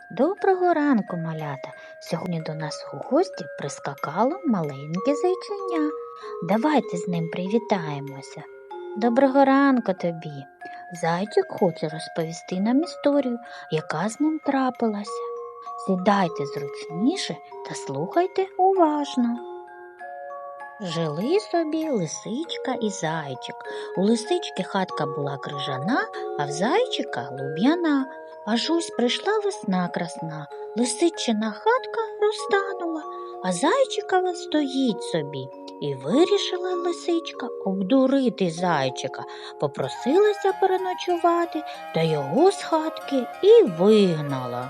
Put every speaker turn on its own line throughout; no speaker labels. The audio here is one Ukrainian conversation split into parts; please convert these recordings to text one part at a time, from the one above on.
Доброго ранку, малята! Сьогодні до нас у гості прискакало маленьке зайченя. Давайте з ним привітаємося. Доброго ранку тобі! Зайчик хоче розповісти нам історію, яка з ним трапилася. Сідайте зручніше та слухайте уважно. Жили собі лисичка і зайчик. У лисички хатка була крижана, а в зайчика луб'яна. Аж ось прийшла весна красна, лисичина хатка розтанула, а зайчикова стоїть собі. І вирішила лисичка обдурити зайчика, попросилася переночувати, та його з хатки і вигнала.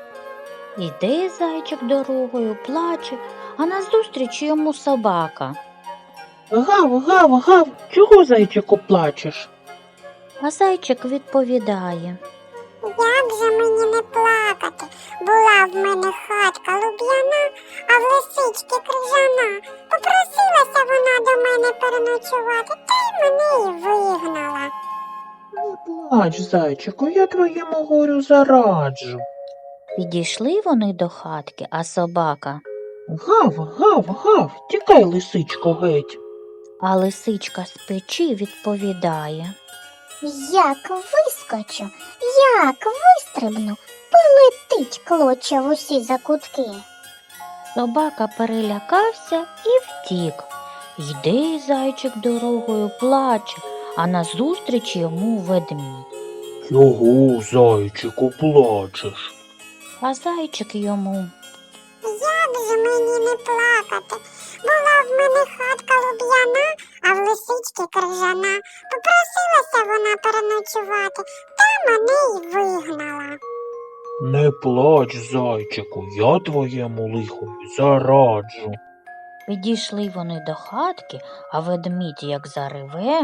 Іде зайчик дорогою, плаче, а назустріч йому собака.
Гав, гав, гав, чого, зайчику, плачеш?
А зайчик відповідає.
Як же мені не плакати? Була в мене хатка луб'яна, а в лисички крижана. Попросилася вона до мене переночувати, та й мене і вигнала.
Не плач, зайчику, я твоєму горю зараджу.
Підійшли вони до хатки, а собака.
Гав, гав, гав, тікай, лисичко, геть.
А лисичка з печі відповідає.
Як вискочу, як вистрибну, полетить клоча в усі закутки.
Собака перелякався і втік. Йде зайчик дорогою, плаче, а назустріч йому ведмідь.
Чого, зайчику, плачеш?
А зайчик йому.
Як же мені не плакати? Була в мене хатка луб'яна, а в лисички крижана. Попросилася вона переночувати, та мене й вигнала.
Не плач, зайчику, я твоєму лихові зараджу.
Підійшли вони до хатки, а ведмідь як зареве.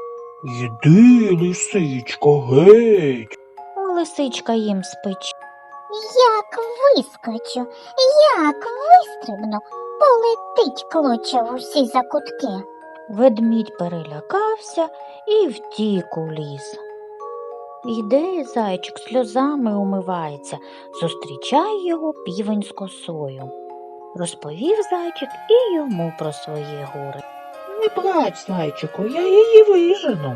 Йди, лисичко, геть.
А лисичка їм з печі.
Як вискочу, як вистрибну, полетить клоча в усі закутки.
Ведмідь перелякався і втік у ліс. Йде зайчик, сльозами умивається, зустрічає його півень з косою. Розповів зайчик і йому про своє горе.
Не плач, зайчику, я її вижену.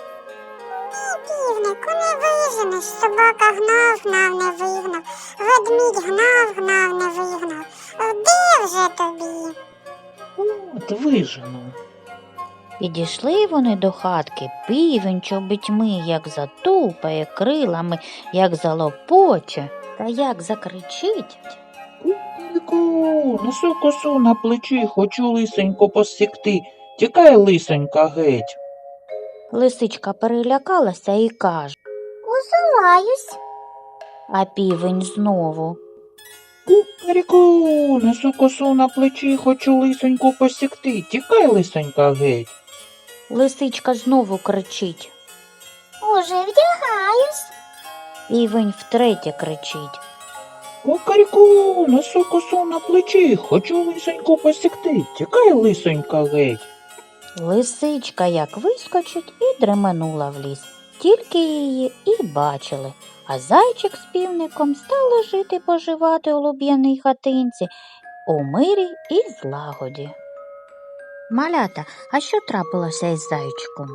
Півнику, не виженеш, собака гнав, гнав, не вигнав, ведмідь гнав, гнав, не вигнав. Де вже тобі?
От вижену.
Підійшли вони до хатки, півень чобітьми, як затупає крилами, як залопоче, та як закричить.
Кукаріку, несу косу на плечі, хочу лисенько посікти. Тікай, лисенька, геть.
Лисичка перелякалася і каже,
Узуваюсь.
а півень знову.
Кукаріку, несу косу на плечі, хочу лисенько посікти. Тікай, лисенька, геть.
Лисичка знову кричить.
Уже вдягаюсь.
Півень втретє кричить.
Кукаріку, несу косу на плечі, хочу лисенько посікти. Тікай, лисенька, геть.
Лисичка як вискочить і дременула в ліс. Тільки її і бачили, а зайчик з півником стали жити-поживати у луб'яній хатинці у мирі і злагоді. Малята, а що трапилося із зайчиком?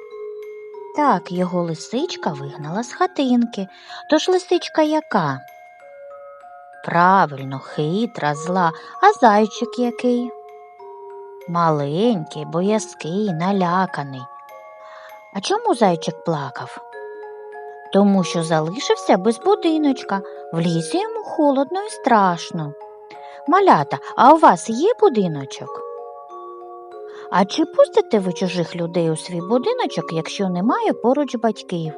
Так, його лисичка вигнала з хатинки. Тож лисичка яка? Правильно, хитра, зла, а зайчик який? Маленький, боязкий, наляканий. А чому зайчик плакав? Тому що залишився без будиночка, в лісі йому холодно і страшно. Малята, а у вас є будиночок? А чи пустите ви чужих людей у свій будиночок, якщо немає поруч батьків?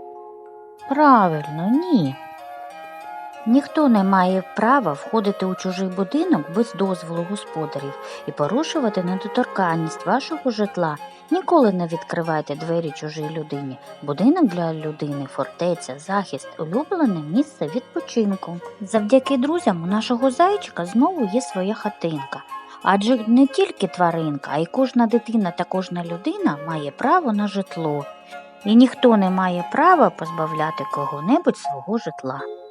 Правильно, ні. Ніхто не має права входити у чужий будинок без дозволу господарів і порушувати недоторканність вашого житла. Ніколи не відкривайте двері чужій людині. Будинок для людини, фортеця, захист, улюблене місце відпочинку. Завдяки друзям у нашого зайчика знову є своя хатинка. Адже не тільки тваринка, а й кожна дитина та кожна людина має право на житло. І ніхто не має права позбавляти кого-небудь свого житла.